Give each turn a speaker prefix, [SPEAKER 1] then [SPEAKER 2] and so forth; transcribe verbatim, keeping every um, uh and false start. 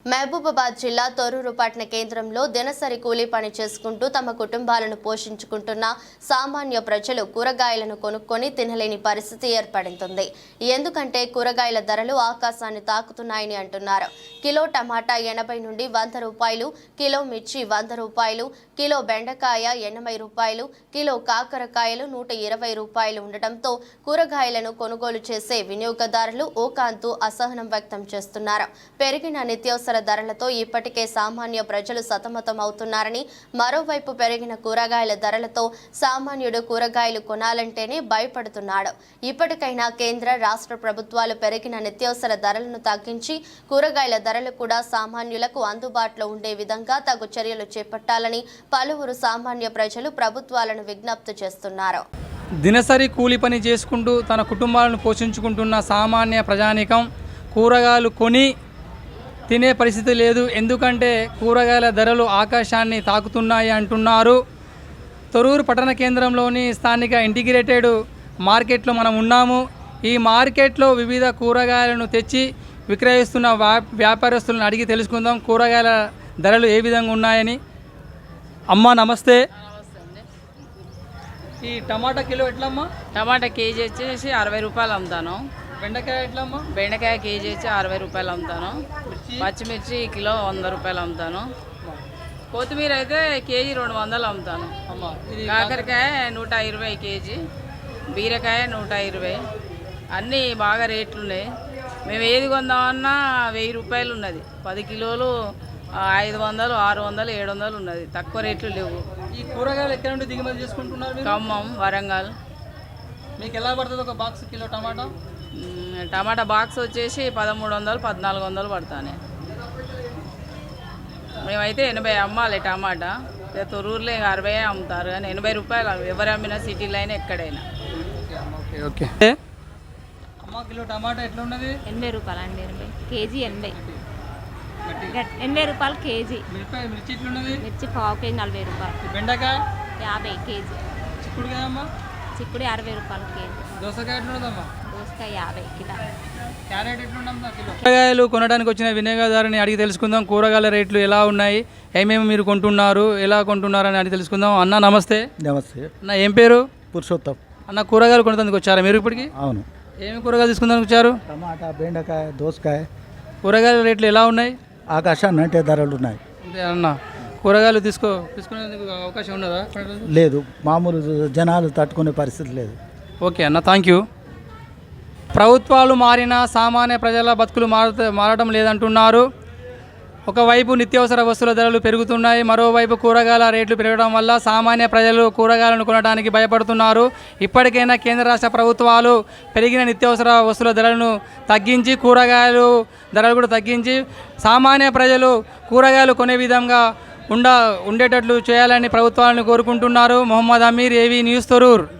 [SPEAKER 1] మహబూబాబాద్ జిల్లా తొర్రూరు పట్టణ కేంద్రంలో దినసరి కూలీ పని చేసుకుంటూ తమ కుటుంబాలను పోషించుకుంటున్న సామాన్య ప్రజలు కూరగాయలను కొనుక్కొని తినలేని పరిస్థితి ఏర్పడుతుంది. ఎందుకంటే కూరగాయల ధరలు ఆకాశాన్ని తాకుతున్నాయని అంటున్నారు. కిలో టమాటా ఎనభై నుండి వంద రూపాయలు, కిలో మిర్చి వంద రూపాయలు, కిలో బెండకాయ ఎనభై రూపాయలు, కిలో కాకరకాయలు నూట ఇరవై రూపాయలు ఉండటంతో కూరగాయలను కొనుగోలు చేసే వినియోగదారులు ఓకాంతు అసహనం వ్యక్తం చేస్తున్నారు. పెరిగిన నిత్యావసర ధరలతో ఇప్పటికే సామాన్య ప్రజలు సతమతం అవుతున్నారని, మరోవైపు పెరిగిన కూరగాయల ధరలతో సామాన్యుడు కూరగాయలు కొనాలంటేనే భయపడుతున్నాడు. ఇప్పటికైనా కేంద్ర రాష్ట్ర ప్రభుత్వాలు పెరిగిన నిత్యావసర ధరలను తగ్గించి కూరగాయల ధరలు కూడా సామాన్యులకు అందుబాటులో ఉండే విధంగా తగు చర్యలు చేపట్టాలని పలువురు సామాన్య ప్రజలు ప్రభుత్వాలను విజ్ఞప్తి చేస్తున్నారు.
[SPEAKER 2] దినసరి కూలి పని చేసుకుంటూ తన కుటుంబాలను పోషించుకుంటున్న సామాన్య ప్రజానీకం కూరగాయలు కొని తినే పరిస్థితి లేదు. ఎందుకంటే కూరగాయల ధరలు ఆకాశాన్ని తాకుతున్నాయి అంటున్నారు. తొర్రూరు పట్టణ కేంద్రంలోని స్థానిక ఇంటిగ్రేటెడ్ మార్కెట్లో మనం ఉన్నాము. ఈ మార్కెట్లో వివిధ కూరగాయలను తెచ్చి విక్రయిస్తున్న వ్యా వ్యాపారస్తులను అడిగి తెలుసుకుందాం కూరగాయల ధరలు ఏ విధంగా ఉన్నాయని. అమ్మ నమస్తే. ఈ టమాటా కిలో ఎట్లమ్మా?
[SPEAKER 3] టమాటా కేజీ వచ్చేసి అరవై రూపాయలు అమ్ముతాను.
[SPEAKER 2] బెండకాయ ఎట్లమ్మా?
[SPEAKER 3] బెండకాయ కేజీ వచ్చి అరవై రూపాయలు అమ్ముతాను. పచ్చిమిర్చి కిలో వంద రూపాయలు అమ్ముతాను. కొత్తిమీర అయితే కేజీ రెండు వందలు అమ్ముతాను. కాకరకాయ నూట ఇరవై కేజీ, బీరకాయ నూట ఇరవై. అన్నీ బాగా రేట్లు ఉన్నాయి. మేము ఏది కొందామన్నా వెయ్యి రూపాయలు ఉన్నది. పది కిలోలు ఐదు వందలు ఆరు వందలు ఏడు వందలు ఉన్నది. తక్కువ రేట్లు లేవు.
[SPEAKER 2] ఈ కూరగాయలు ఎక్కడ నుండి దిగుమతి చేసుకుంటున్నారు?
[SPEAKER 3] ఖమ్మం, వరంగల్.
[SPEAKER 2] మీకు ఎలా పడుతుంది ఒక box kilo tomato?
[SPEAKER 3] Tomato box వచ్చేసి పదమూడు వందలు పద్నాలుగు వందలు పడతానే. మేమైతే ఎనభై అమ్మాలి టమాటా. తొర్రూరులో ఇంకా అరవై అమ్ముతారు కానీ ఎనభై రూపాయలు ఎవరు అమ్మినా సిటీలో అయినా ఎక్కడైనా.
[SPEAKER 2] ఓకే ఓకే అమ్మ కిలో టమాటా ఎట్లా ఉన్నది?
[SPEAKER 4] ఎనభై రూపాయలు అండి. ఎనభై కేజీ ఎనభై ఎనభై రూపాయలు కేజీ.
[SPEAKER 2] మిరపకాయ మిర్చి ఎట్లున్నది?
[SPEAKER 4] మిర్చి పావు కేజీ నలభై రూపాయలు.
[SPEAKER 2] బెండకాయ
[SPEAKER 4] యాభై కేజీ.
[SPEAKER 2] చిక్కుడుకాయ అమ్మ?
[SPEAKER 4] చిక్కుడు అరవై రూపాయలు కేజీ.
[SPEAKER 2] దోసకాయ ఎట్లున్నదమ్మా?
[SPEAKER 4] దోసకాయ యాభై కిలో.
[SPEAKER 2] Carrot ఎట్లుందమ్మా kilo? కూరగాయలు కొనడానికి వచ్చిన వినియోగదారుని అడిగి తెలుసుకుందాం కూరగాయల రేట్లు ఎలా ఉన్నాయి, ఏమేమి మీరు కొంటున్నారు, ఎలా కొంటున్నారు అని అడిగి తెలుసుకుందాం. అన్న నమస్తే.
[SPEAKER 5] నమస్తే
[SPEAKER 2] అన్న ఏం పేరు?
[SPEAKER 5] పురుషోత్తం.
[SPEAKER 2] అన్న కూరగాయలు కొనడానికి వచ్చారా మీరు ఇప్పటికి?
[SPEAKER 5] అవును.
[SPEAKER 2] ఏమి కూరగాయలు తీసుకుందానికి వచ్చారు?
[SPEAKER 5] టమాటా, బెండకాయ, దోసకాయ.
[SPEAKER 2] కూరగాయల రేట్లు ఎలా ఉన్నాయి?
[SPEAKER 5] ఆకాశాన్ని అంటే ధరలు ఉన్నాయి.
[SPEAKER 2] అంతే అన్న. కూరగాయలు తీసుకో తీసుకునేందుకు అవకాశం ఉన్నదా?
[SPEAKER 5] లేదు, మామూలు జనాలు తట్టుకునే పరిస్థితి లేదు.
[SPEAKER 2] ఓకే అన్న, థ్యాంక్ యూ. ప్రభుత్వాలు మారినా సామాన్య ప్రజల బతుకులు మార మారడం లేదంటున్నారు. ఒకవైపు నిత్యావసర వస్తువుల ధరలు పెరుగుతున్నాయి, మరోవైపు కూరగాయల రేట్లు పెరగడం వల్ల సామాన్య ప్రజలు కూరగాయలను కొనడానికి భయపడుతున్నారు. ఇప్పటికైనా కేంద్ర రాష్ట్ర ప్రభుత్వాలు పెరిగిన నిత్యావసర వస్తువుల ధరలను తగ్గించి కూరగాయలు ధరలు కూడా తగ్గించి సామాన్య ప్రజలు కూరగాయలు కొనే విధంగా ఉండ ఉండేటట్లు చేయాలని ప్రభుత్వాలను కోరుకుంటున్నారు. Mohammed Aamir, AV news, Thorrur.